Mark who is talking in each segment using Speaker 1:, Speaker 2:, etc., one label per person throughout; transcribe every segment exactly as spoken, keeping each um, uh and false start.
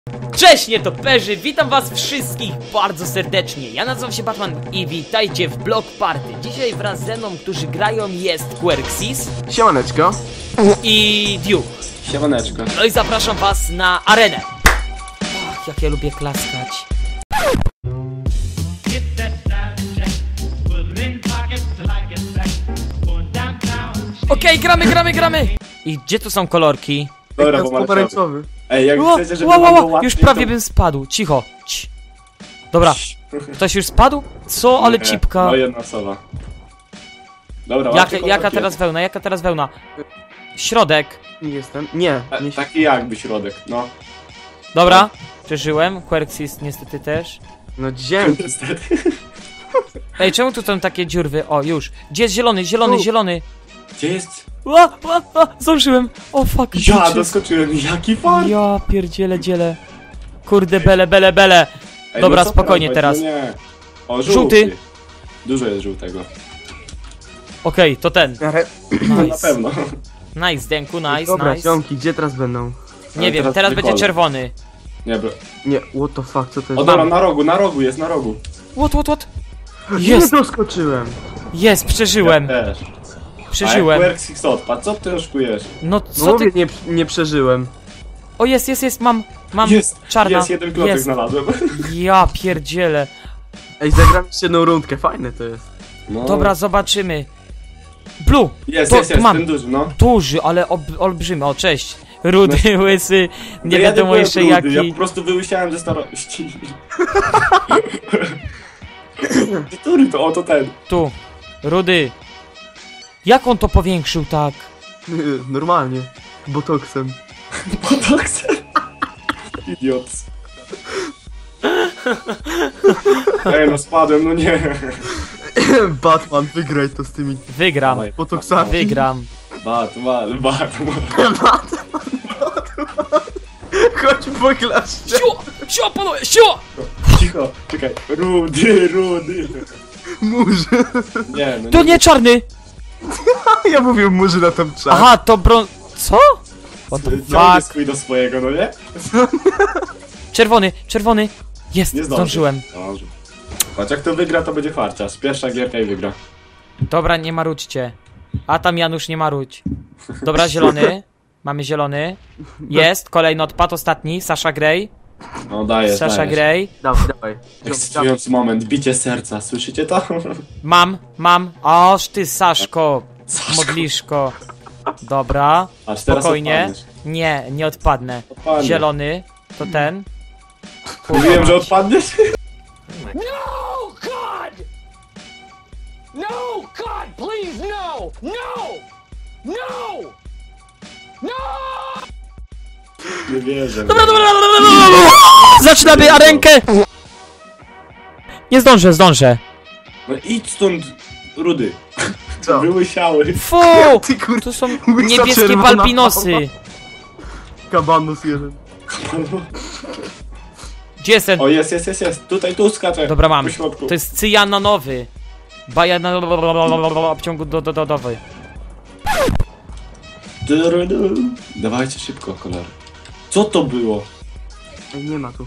Speaker 1: Cześć nietoperzy, witam was wszystkich bardzo serdecznie. Ja nazywam się Batman i witajcie w Block Party. Dzisiaj wraz ze mną, którzy grają, jest Querxis.
Speaker 2: Siemaneczko.
Speaker 1: I Duke.
Speaker 2: Siemaneczko.
Speaker 1: No i zapraszam was na arenę. Ach, jak ja lubię klaskać. Okej, okay, gramy, gramy, gramy. I gdzie tu są kolorki?
Speaker 2: Dobra, pomarańczowy. Ej, jak
Speaker 1: Ło,
Speaker 2: chcecie, żeby
Speaker 1: ło, ło,
Speaker 2: było
Speaker 1: ło,
Speaker 2: łatwiej,
Speaker 1: już prawie
Speaker 2: to...
Speaker 1: bym spadł, cicho. Cii. Dobra, ktoś już spadł? Co, ale
Speaker 2: Nie,
Speaker 1: cipka.
Speaker 2: No jedna osoba. Dobra,
Speaker 1: Jaka,
Speaker 2: łatwiej
Speaker 1: jaka
Speaker 2: kolorki.
Speaker 1: teraz wełna, jaka teraz wełna? Środek.
Speaker 3: Nie jestem. Nie,
Speaker 2: Ta,
Speaker 3: nie
Speaker 2: taki jakby środek, no.
Speaker 1: Dobra, przeżyłem. Querxis niestety też.
Speaker 3: No dzięki.
Speaker 2: Niestety.
Speaker 1: Ej, czemu tu są takie dziurwy? O, już. Gdzie jest zielony, zielony,
Speaker 3: Tu.
Speaker 1: zielony?
Speaker 2: Gdzie jest?
Speaker 1: Ła, ła, ła, zdążyłem. O, fuck.
Speaker 2: Ja
Speaker 1: bitches.
Speaker 2: doskoczyłem, jaki fart!
Speaker 1: Ja pierdzielę, dzielę. Kurde, bele, bele, bele.
Speaker 2: Ej,
Speaker 1: Dobra,
Speaker 2: no co
Speaker 1: spokojnie
Speaker 2: prawać?
Speaker 1: teraz.
Speaker 2: No nie. O, żółty.
Speaker 1: Żółty.
Speaker 2: Dużo jest żółtego.
Speaker 1: Okej, to ten.
Speaker 3: Ale...
Speaker 2: No, na
Speaker 1: Nice.
Speaker 2: pewno.
Speaker 1: Nice, Denku, nice,
Speaker 3: Dobra,
Speaker 1: nice.
Speaker 3: ziomki, gdzie teraz będą?
Speaker 1: Nie
Speaker 2: Ale
Speaker 1: wiem,
Speaker 2: teraz
Speaker 1: teraz
Speaker 2: będzie
Speaker 1: będzie
Speaker 2: kolor.
Speaker 1: czerwony.
Speaker 2: Nie, bro.
Speaker 3: Nie, what the fuck, co to
Speaker 2: O,
Speaker 3: jest?
Speaker 2: dobra, na rogu, na rogu, jest na rogu.
Speaker 1: What, what, what?
Speaker 3: Nie
Speaker 1: Jest,
Speaker 3: doskoczyłem.
Speaker 1: jest, przeżyłem.
Speaker 2: Ja też.
Speaker 1: Przeżyłem.
Speaker 2: A jak Querxis odpadł, co ty oszukujesz?
Speaker 1: No
Speaker 3: No
Speaker 1: co
Speaker 3: mówię,
Speaker 1: ty...
Speaker 3: nie, nie przeżyłem.
Speaker 1: O, jest, jest, jest, mam, mam
Speaker 2: Jest,
Speaker 1: czarna.
Speaker 2: jest, jeden klocek
Speaker 1: Jest.
Speaker 2: znalazłem.
Speaker 1: Ja pierdzielę.
Speaker 3: Ej, zagram jeszcze jedną rundkę, fajne to jest.
Speaker 2: No.
Speaker 1: Dobra, zobaczymy. Blue!
Speaker 2: Jest,
Speaker 1: to
Speaker 2: jest, jest,
Speaker 1: mam.
Speaker 2: ten duży, no.
Speaker 1: Duży, ale ob, olbrzymy. O, cześć. Rudy, łysy, nie
Speaker 2: No ja
Speaker 1: wiadomo
Speaker 2: byłem
Speaker 1: jeszcze
Speaker 2: rudy,
Speaker 1: jaki.
Speaker 2: Ja po prostu wyłysiałem ze starości. Który to? O, to ten.
Speaker 1: Tu. Rudy. Jak on to powiększył tak?
Speaker 3: Normalnie. Botoksem.
Speaker 2: Botoksem. Idiot. Ej, no spadłem, no nie.
Speaker 3: Batman, wygraj to z tymi
Speaker 1: Wygram.
Speaker 2: Dawaj.
Speaker 3: botoksami.
Speaker 1: Wygram.
Speaker 2: Batman, Batman.
Speaker 3: Chodź po klasie.
Speaker 1: Siło! Siło, panowie, siło!
Speaker 2: Cicho, czekaj. Rudy, rudy.
Speaker 3: Murzy.
Speaker 2: Nie, no
Speaker 1: To nie czarny!
Speaker 3: Ja mówię murzy na tą czas.
Speaker 1: Aha, to bron... Co? What the
Speaker 2: Ciągnie
Speaker 1: fuck?
Speaker 2: swój do swojego, no nie?
Speaker 1: Czerwony, czerwony. Jest,
Speaker 2: Nie zdąży.
Speaker 1: zdążyłem.
Speaker 2: Zdąży. Patrz, jak to wygra, to będzie farciarz. Pierwsza gierka i wygra.
Speaker 1: Dobra, nie marudźcie. A tam Janusz, nie marudź. Dobra, zielony. Mamy zielony. Jest, kolejny odpad, ostatni. Sasha Grey.
Speaker 2: No dajesz,
Speaker 1: Sasha
Speaker 2: dajesz.
Speaker 1: Grey.
Speaker 3: Dawaj, dawaj.
Speaker 2: Ekscytujący moment, bicie serca, słyszycie to?
Speaker 1: Mam, mam. Oż ty, Saszko.
Speaker 2: Saszko.
Speaker 1: Modliszko. Dobra.
Speaker 2: Aż teraz
Speaker 1: Spokojnie.
Speaker 2: odpadniesz.
Speaker 1: Nie, nie odpadnę.
Speaker 2: Odpadnie.
Speaker 1: Zielony. To ten.
Speaker 2: Mówiłem, że odpadniesz?
Speaker 4: No, God! No, God, please, no! No! No! No!
Speaker 2: Nie wierzę.
Speaker 1: Dobra, dobra, dobra, dobra, dobra. Zaczynamy arenkę! Nie zdążę, zdążę.
Speaker 2: No idź stąd, Rudy.
Speaker 3: Co?
Speaker 2: Wyłysiały.
Speaker 1: Fu!
Speaker 3: Ty kur...
Speaker 1: Tu są
Speaker 3: Łysa
Speaker 1: niebieskie
Speaker 3: czerwona
Speaker 1: balbinosy.
Speaker 3: Kabanus jeden.
Speaker 1: Gdzie jest ten?
Speaker 2: O, jest, jest, jest, jest. Tutaj, tu skaczę.
Speaker 1: Dobra, mam.
Speaker 2: Po środku.
Speaker 1: To jest cyjanonowy. Bajanowy. Obciągu do, do, do, dowy.
Speaker 2: Durudu. Dawajcie szybko, kolor. Co to było?
Speaker 3: Ej, nie ma tu.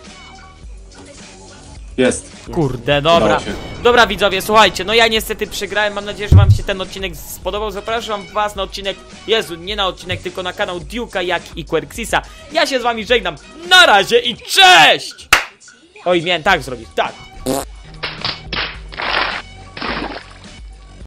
Speaker 2: Jest.
Speaker 1: Kurde, dobra.
Speaker 2: Udało się.
Speaker 1: Dobra widzowie, słuchajcie, no ja niestety przegrałem, mam nadzieję, że wam się ten odcinek spodobał. Zapraszam was na odcinek, Jezu, nie na odcinek, tylko na kanał Duke'a, jak i Querxisa. Ja się z wami żegnam, na razie i cześć! Oj, miałem tak zrobić, tak.